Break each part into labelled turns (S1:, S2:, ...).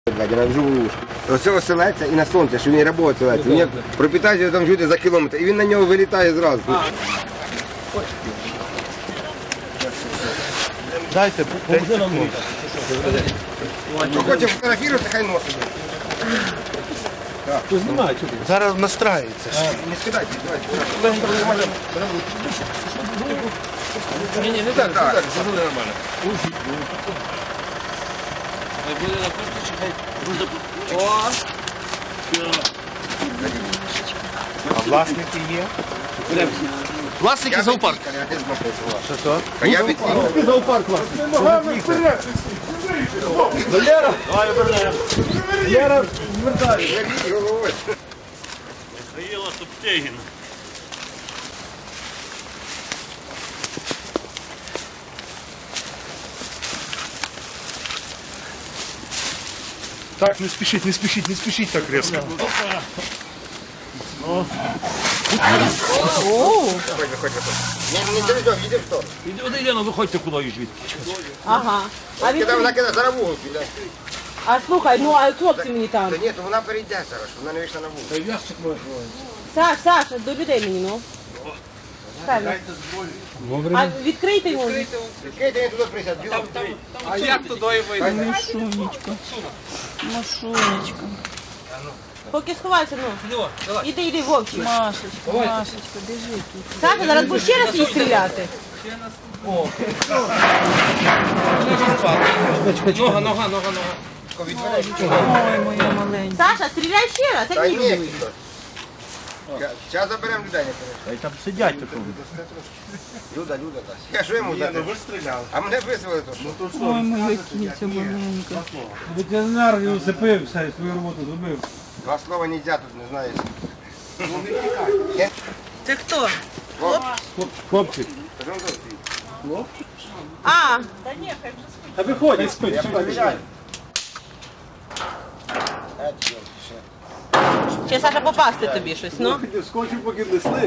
S1: на живу. Оце оселеться і на сонце, що він робота оселеться. Він пропитається там жити за кілометр, і він на нього вилітає зразу.
S2: Дайте, поможи нам носити.
S1: Хто хоче фотографувати, хай носить.
S2: Хто знімає? Зараз настрається.
S1: Не скидайте, давайте.
S3: Ні, не так, це буде нормально. Буде на куртці, хай буде. О!
S2: А власники є?
S3: Власники зоопарк.
S2: Що?
S1: А я від
S2: Зоопарк власник. Валера! Валера, звертай.
S3: Михаїла Топтегіна.
S2: Так, не спішіть так різко.
S1: Не телевізор, їде в то.
S3: Іди, ну виходьте кудись звідки.
S4: Ага. А він...
S1: Вона кидає зараз вугол.
S4: А слухай, ну а хлопці мені там.
S1: Та ні, то вона перейде зараз, вона не вийшла на вугол.
S4: Саша, до людей мені, ну. Саша. А відкрийте йому.
S1: Відкрийте, він туди присяд, біло.
S3: А як туди вийде?
S5: Машунечка,
S4: Поки сховайся, ну. Іди, Вовчик.
S5: Машечка, біжи тут.
S4: Саша, зараз будеш ще раз її стріляти.
S3: Нога.
S5: Ой, моя маленька.
S4: Саша, стріляй ще раз,
S1: Та
S4: як
S1: ні,
S4: ні.
S1: зараз заберемо людей, не перейде.
S2: Та й там сидять такого.
S1: Люда дасть. Я що йому дати?
S2: ви стріляли.
S1: А мене визвали то що?
S5: Ой, моя кіця маленька.
S6: Ветеринар не усипив, все, свою роботу зробив.
S1: Два слова не можна тут, не знаєш.
S4: Ти хто?
S6: Хлопчик.
S4: А,
S6: А виходь, спить.
S1: Я перевіряю.
S4: ще Саша попасти тобі щось, ну.
S6: Скочив, поки несли.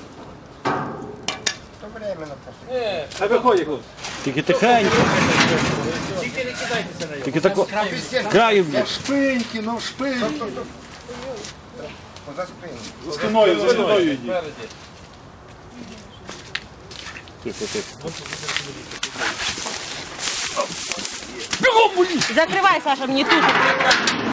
S1: То временно просто.
S6: А виходь, хлопці.
S2: Тільки тихенько.
S3: Тільки не кидайтеся на нього.
S2: Тільки тако. Краю б'єш.
S6: Шпиньки, ну шпиньки.
S1: Поза спину.
S6: За спиною йди.
S2: Тихо.
S4: Закривай, Саша, мені тут.